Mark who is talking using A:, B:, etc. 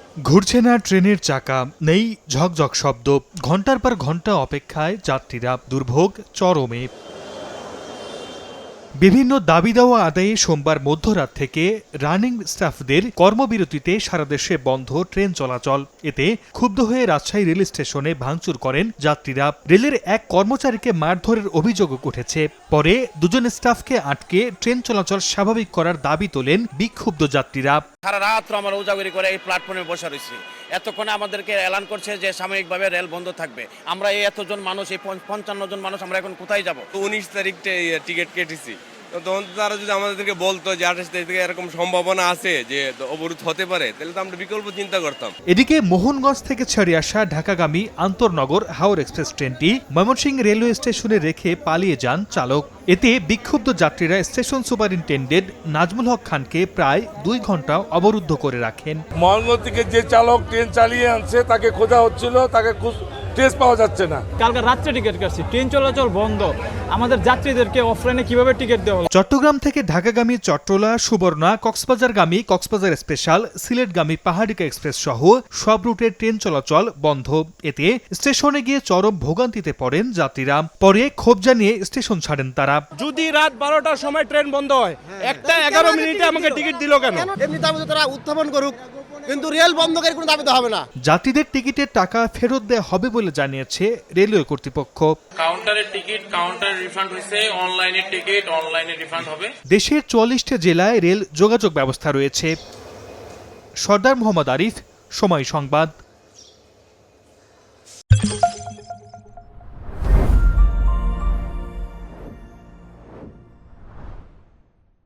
A: ঘুরছে না ট্রেনের চাকা, নেই ঝকঝক শব্দ, ঘন্টার পর ঘন্টা অপেক্ষায় যাত্রীরা, দুর্ভোগ চরমে। বিভিন্ন দাবি দেওয়া আদায়ে সোমবার মধ্যরাত থেকে রানিং স্টাফদের কর্মবিরতিতে সারা দেশে বন্ধ ট্রেন চলাচল। এতে ক্ষুব্ধ হয়ে রাজশাহী রেল স্টেশনে ভাঙচুর করেন যাত্রীরা। রেলের এক কর্মচারীকে মারধরের অভিযোগ উঠেছে। পরে দুজন স্টাফকে আটকে ট্রেন চলাচল স্বাভাবিক করার দাবি তোলেন বিক্ষুব্ধ যাত্রীরা।
B: সারা রাত আমরা উজাগরি করে এই প্ল্যাটফর্মে বসে রয়েছি। এতক্ষণে আমাদেরকে এলান করছে যে সাময়িকভাবে রেল বন্ধ থাকবে। আমরা এই এতজন মানুষ, এই 55 জন মানুষ, আমরা এখন কোথায় যাব?
C: 19 তারিখে টিকিট কেটেছি, তখন তারা যদি আমাদেরকে বলতো যে 28 তারিখ থেকে এরকম সম্ভাবনা আছে যে অবরোধ হতে পারে, তাহলে তো আমরা বিকল্প চিন্তা করতাম।
A: এদিকে মোহনগঞ্জ থেকে ছেড়ে আসা ঢাকাগামী আন্তর্নগর হাওড় এক্সপ্রেস ট্রেনটি ময়মনসিংহ রেলওয়ে স্টেশনে রেখে পালিয়ে যান চালক। এতে বিক্ষুব্ধ যাত্রীরা স্টেশন সুপারিনটেন্ডেন্ট নাজমুল হক খানকে প্রায় 2 ঘন্টা অবরুদ্ধ করে রাখেন।
D: মোহনগঞ্জ থেকে যে চালক ট্রেন চালিয়ে আনছে তাকে খোঁজা হচ্ছিল, তাকে ট্রেস পাওয়া যাচ্ছে না।
E: কালকে রাত্রে টিকিট কাটছি, ট্রেন চলাচল বন্ধ, আমাদের যাত্রীদেরকে অফলাইনে কিভাবে টিকিট দেওয়া হলো?
A: চট্টগ্রাম থেকে ঢাকাগামী চট্টলা, সুবর্ণা, কক্সবাজারগামী কক্সবাজার স্পেশাল, সিলেটগামী পাহাড়িকা এক্সপ্রেস সহ সব রুটের ট্রেন চলাচল বন্ধ। এতে স্টেশনে গিয়ে চরম ভোগান্তিতে পড়েন যাত্রীরা। পরে ক্ষোভ জানিয়ে স্টেশন ছাড়েন তারা।
F: যদি রাত 12টার সময় ট্রেন বন্ধ হয়, 1:11 মিনিটে আমাকে টিকিট দিল কেন?
G: এমনি দাবি তারা উত্থাপন করুক, কিন্তু রেল বন্ধ করে কোনো দাবি তো হবে না।
A: যাত্রীদের টিকিটের টাকা ফেরত দেওয়া হবে বলে জানিয়েছে রেলওয়ে কর্তৃপক্ষ।
H: কাউন্টারের টিকিট কাউন্টারে রিফান্ড হয়েছে, অনলাইনের টিকিট অনলাইনে রিফান্ড হবে।
A: দেশের 44টি জেলায় রেল যোগাযোগ ব্যবস্থা রয়েছে। সর্দার মোহাম্মদ আরিফ, সময় সংবাদ।